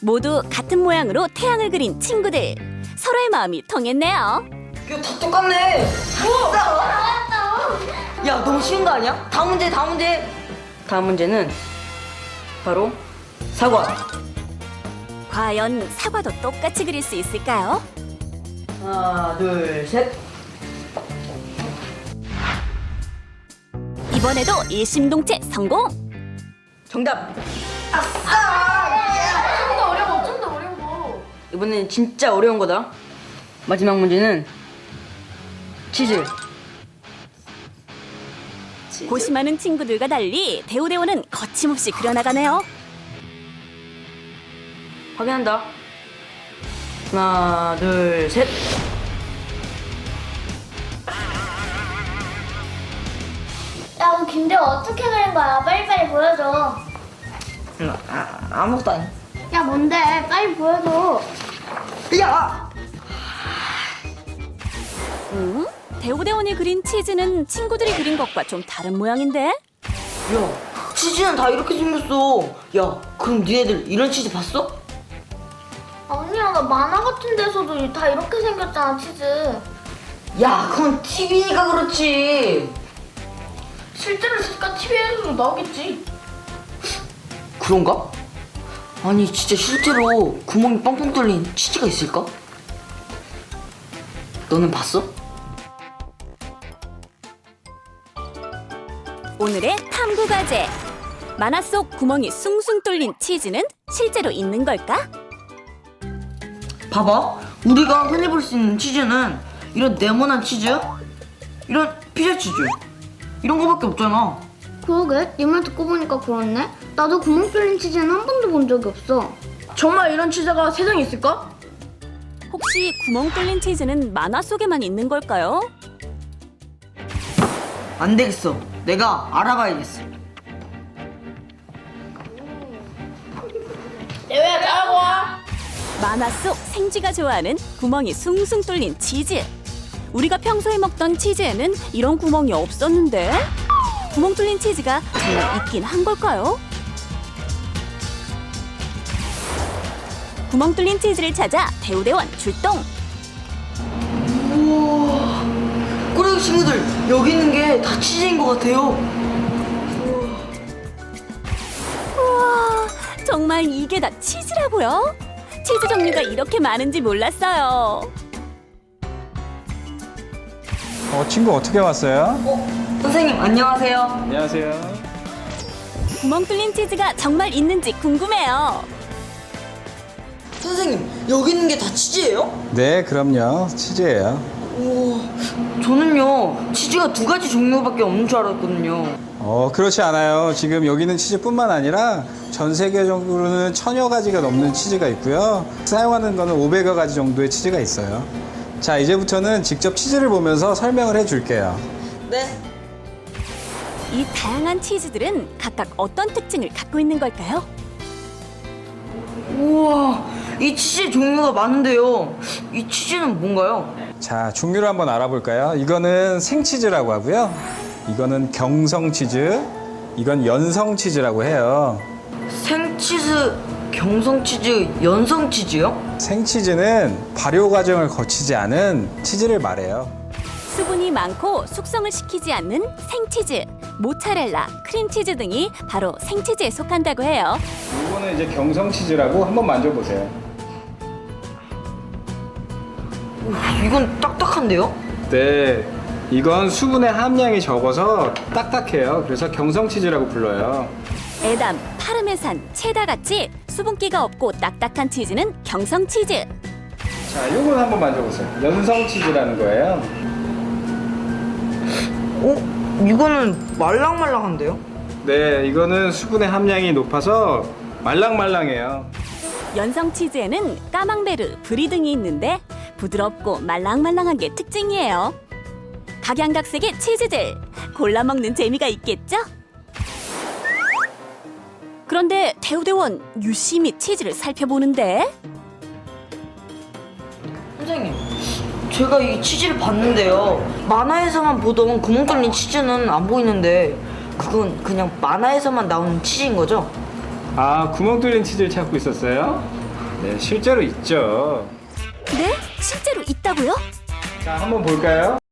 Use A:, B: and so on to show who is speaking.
A: 모두 같은 모양으로 태양을 그린 친구들. 서로의 마음이 통했네요.
B: 이거 다 똑같네. 야, 너무 쉬운 거 아니야? 다음 문제, 다음 문제. 다음 문제는 바로 사과.
A: 과연 사과도 똑같이 그릴 수 있을까요?
B: 하나, 둘, 셋.
A: 이번에도 일심동체 성공!
B: 정답.
C: 좀 더 어려워, 좀 더 어려워.
B: 이번엔 진짜 어려운 거다. 마지막 문제는 치즈.
A: 고심 많은 친구들과 달리 대우대원은 거침없이 그려나가네요.
B: 확인한다. 하나, 둘, 셋.
C: 야, 그럼 김대호 어떻게 그린 거야? 빨리빨리 보여줘.
B: 아무것도 아니.
C: 야, 뭔데? 빨리 보여줘.
B: 야!
A: 대우대원이 그린 치즈는 친구들이 그린 것과 좀 다른 모양인데?
B: 야, 치즈는 다 이렇게 생겼어. 야, 그럼 니네들 이런 치즈 봤어?
C: 아니야, 나 만화 같은 데서도 다 이렇게 생겼잖아, 치즈.
B: 야, 그건 TV니까 그렇지.
C: 실제로 진짜 TV에서도 나오겠지.
B: 그런가? 아니, 진짜 실제로 구멍이 뻥뻥 뚫린 치즈가 있을까? 너는 봤어?
A: 오늘의 탐구 과제. 만화 속 구멍이 숭숭 뚫린 치즈는 실제로 있는 걸까?
B: 봐봐. 우리가 흔히 볼 수 있는 치즈는 이런 네모난 치즈, 이런 피자 치즈, 이런 거밖에 없잖아.
C: 그러게, 네 말 듣고 보니까 그렇네. 나도 구멍 뚫린 치즈는 한 번도 본 적이 없어.
D: 정말 이런 치즈가 세상에 있을까?
A: 혹시 구멍 뚫린 치즈는 만화 속에만 있는 걸까요?
B: 안 되겠어. 내가 알아봐야겠어.
D: 내외야 따라고 와.
A: 만화 속 생쥐가 좋아하는 구멍이 숭숭 뚫린 치즈. 우리가 평소에 먹던 치즈에는 이런 구멍이 없었는데? 구멍 뚫린 치즈가 정말 있긴 한 걸까요? 구멍 뚫린 치즈를 찾아 대우대원 출동!
B: 우와. 꼬레기 친구들, 여기 있는 게 다 치즈인 것 같아요.
A: 우와, 정말 이게 다 치즈라고요? 치즈 종류가 이렇게 많은지 몰랐어요.
E: 친구 어떻게 왔어요?
B: 선생님, 안녕하세요.
E: 안녕하세요.
A: 구멍 뚫린 치즈가 정말 있는지 궁금해요.
B: 선생님, 여기 있는 게 다 치즈예요?
E: 네, 그럼요. 치즈예요.
B: 우와, 저는요, 치즈가 두 가지 종류밖에 없는 줄 알았거든요.
E: 그렇지 않아요. 지금 여기 있는 치즈뿐만 아니라 전 세계적으로는 1000여 가지가 넘는 치즈가 있고요. 사용하는 거는 500여 가지 정도의 치즈가 있어요. 자, 이제부터는 직접 치즈를 보면서 설명을 해줄게요.
B: 네.
A: 이 다양한 치즈들은 각각 어떤 특징을 갖고 있는 걸까요?
B: 우와, 이 치즈 종류가 많은데요. 이 치즈는 뭔가요?
E: 자, 종류를 한번 알아볼까요? 이거는 생치즈라고 하고요. 이거는 경성치즈, 이건 연성치즈라고 해요.
B: 생치즈, 경성치즈, 연성치즈요?
E: 생치즈는 발효 과정을 거치지 않은 치즈를 말해요.
A: 수분이 많고 숙성을 시키지 않는 생치즈, 모차렐라, 크림치즈 등이 바로 생치즈에 속한다고 해요.
E: 이거는 이제 경성치즈라고 한번 만져보세요.
B: 이건 딱딱한데요?
E: 네, 이건 수분의 함량이 적어서 딱딱해요. 그래서 경성치즈라고 불러요.
A: 에담, 파르메산, 체다같이 수분기가 없고 딱딱한 치즈는 경성치즈.
E: 자, 요건 한번 만져보세요. 연성치즈라는 거예요.
B: 이거는 말랑말랑한데요?
E: 네, 이거는 수분의 함량이 높아서 말랑말랑해요.
A: 연성치즈에는 까망베르, 브리 등이 있는데 부드럽고 말랑말랑한 게 특징이에요. 각양각색의 치즈들, 골라 먹는 재미가 있겠죠? 그런데 대우대원 유심히 치즈를 살펴보는데
B: 선생님, 제가 이 치즈를 봤는데요. 만화에서만 보던 구멍 뚫린 치즈는 안 보이는데 그건 그냥 만화에서만 나오는 치즈인 거죠?
E: 아, 구멍 뚫린 치즈를 찾고 있었어요? 네, 실제로 있죠.
A: 네? 실제로 있다고요?
E: 자, 한번 볼까요?